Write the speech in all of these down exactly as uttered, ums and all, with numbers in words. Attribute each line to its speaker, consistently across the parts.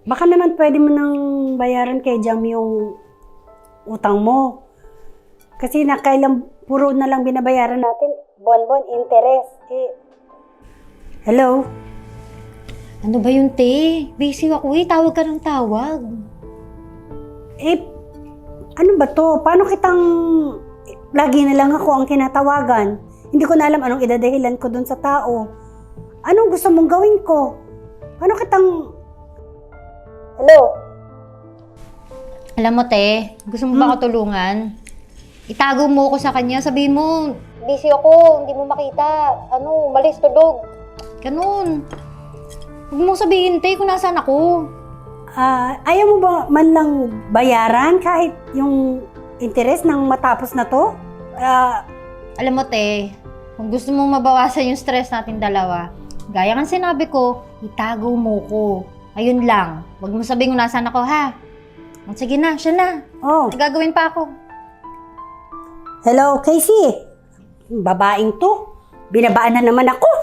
Speaker 1: Baka naman pwede mo nang bayaran kay Jam yung utang mo. Kasi nakailang puro na lang binabayaran natin, buwan-buwan, interest. Eh, hello?
Speaker 2: Ano ba yun, te? Busy ako eh. Tawag ka ng tawag.
Speaker 1: Eh, ano ba to? Paano kitang lagi na lang ako ang kinatawagan? Hindi ko na alam anong idadahilan ko dun sa tao. Anong gusto mong gawin ko? Paano kitang... Hello?
Speaker 2: Alam mo, te, gusto mo ba ako tulungan? Itago mo ko sa kanya. Sabihin mo, busy ako. Hindi mo makita. Ano, malis tulog. Ganun. Huwag mo sabihin, te, kung nasaan ako.
Speaker 1: Ah, ayaw mo ba man lang bayaran kahit yung interest ng matapos na to? Ah,
Speaker 2: Alam mo, te, kung gusto mong mabawasan yung stress natin dalawa, gaya ng sinabi ko, itago mo ko. Ayun lang. Huwag mo sabihin kung nasaan ako, ha? Sige na, siya na.
Speaker 1: oh,
Speaker 2: May gagawin pa ako.
Speaker 1: hello, Casey. Babaeng to. Binabaan na naman ako.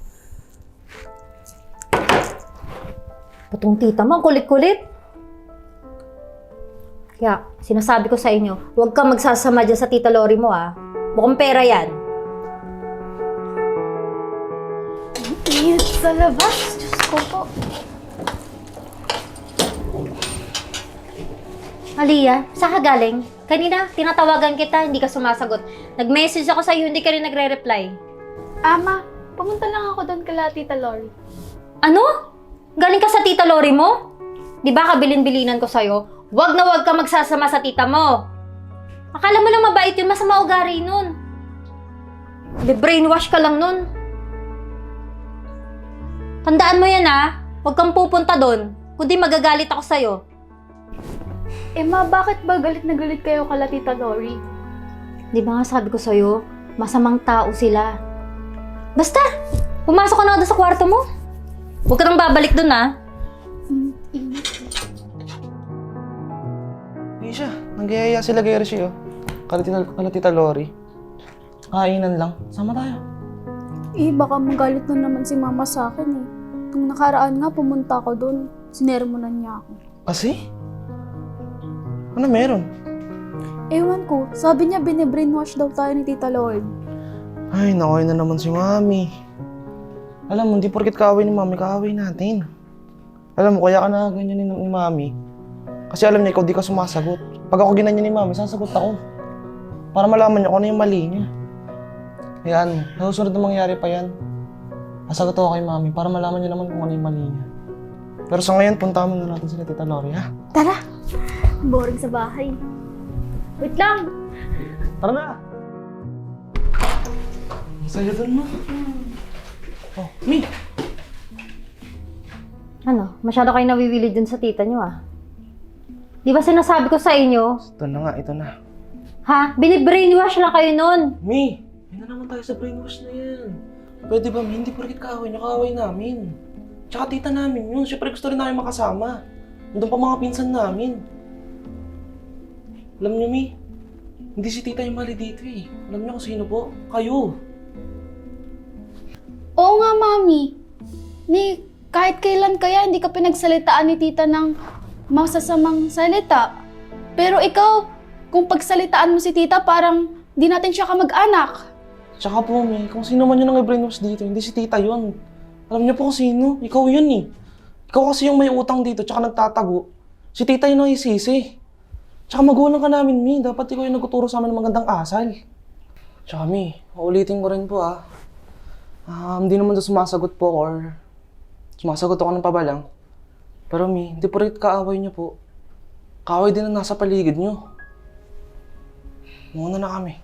Speaker 2: Putong tita mo, ang kulit-kulit. Kaya, sinasabi ko sa inyo, huwag kang magsasama dyan sa tita Lori mo, ah. Mukhang pera yan.
Speaker 3: Init sa labas. Diyos ko po.
Speaker 2: Aliyah, saan ka galing? Kanina, tinatawagan kita, hindi ka sumasagot. Nag-message ako sa'yo, hindi ka rin nagre-reply.
Speaker 3: Ama, pumunta lang ako doon kala Tita Lori.
Speaker 2: Ano? Galing ka sa tita Lori mo? Di ba kabilin-bilinan ko sa'yo? Huwag na huwag ka magsasama sa tita mo. Akala mo lang mabait yun, masama ugali nun. Be-brainwash ka lang nun. Tandaan mo yan, ha? Huwag kang pupunta doon, kundi magagalit ako sa'yo.
Speaker 3: Eh ma, bakit ba galit na galit kayo kala Tita Lori?
Speaker 2: Di ba nga sabi ko sa'yo, masamang tao sila. Basta, pumasok ka na doon sa kwarto mo. Huwag ka nang babalik doon, ha?
Speaker 3: Init.
Speaker 4: Isha, nanggayaya sila kay Hershey, oh. Kala tita, kala tita Lori. Kainan lang. Sama tayo.
Speaker 3: Eh, baka magalit na naman si mama sa akin eh. Nung nakaraan nga, pumunta ako doon. Sinermonan niya ako.
Speaker 4: Kasi? Ano meron?
Speaker 3: Ewan ko, sabi niya bine-brainwash daw tayo ni Tita Lord.
Speaker 4: Ay, nakoy na naman si Mami. Alam mo, hindi porket kaaway ni Mami, kaaway natin. Alam mo, kaya ka na ganyan ni, ni Mami. Kasi alam niya, ikaw di ka sumasagot. Pag ako ginanyan ni Mami, sasagot ako. Para malaman niya kung ano yung mali niya. Yan, sa susunod na mangyari pa yan. Sasagot ako kay Mami para malaman niya naman kung ano yung mali niya. Pero sa ngayon, punta mo na natin sila Tita Lori, ha?
Speaker 3: Tara! Boring sa bahay. Wait lang!
Speaker 4: Tara na! Ang saya dun mo. Oh, Mi!
Speaker 2: Ano? Masyado kayo nawiwili dun sa tita nyo, ah. Di ba sinasabi ko sa inyo,
Speaker 4: Ito na nga, ito na.
Speaker 2: ha? Binibrainwash lang kayo nun.
Speaker 4: Mi! Hindi na naman tayo sa brainwash na yan. Pwede ba, Mi? Hindi porkit kaaway niya, kaaway namin. Tsaka tita namin yun. Siyempre gusto rin namin makasama. Nandun pa mga pinsan namin. Alam niyo, Mi, hindi si tita yung mali dito eh. Alam niyo kung sino po? Kayo.
Speaker 3: Oo nga, Mami. Ni, kahit kailan kaya hindi ka pinagsalitaan ni Tita ng masasamang salita. Pero ikaw, kung pagsalitaan mo si Tita, parang di natin siya kamag-anak.
Speaker 4: Tsaka po, Mi, kung sino man yun ang i-brainwash dito, hindi si tita yun. Alam niyo po kung sino? Ikaw yun eh. Ikaw kasi yung may utang dito, tsaka nagtatago. Si tita yun ang isisi. Tsaka magulang ka namin, Mi. Dapat ikaw yung nagtuturo sa amin ng magandang asal. Tsaka, Mi, maulitin ko rin po ah. Ah, hindi naman doon sumasagot po or sumasagot ako ng pabalang. Pero, Mi, hindi po rin kaaway niyo po. Kaaway din ang nasa paligid niyo. Muna na kami.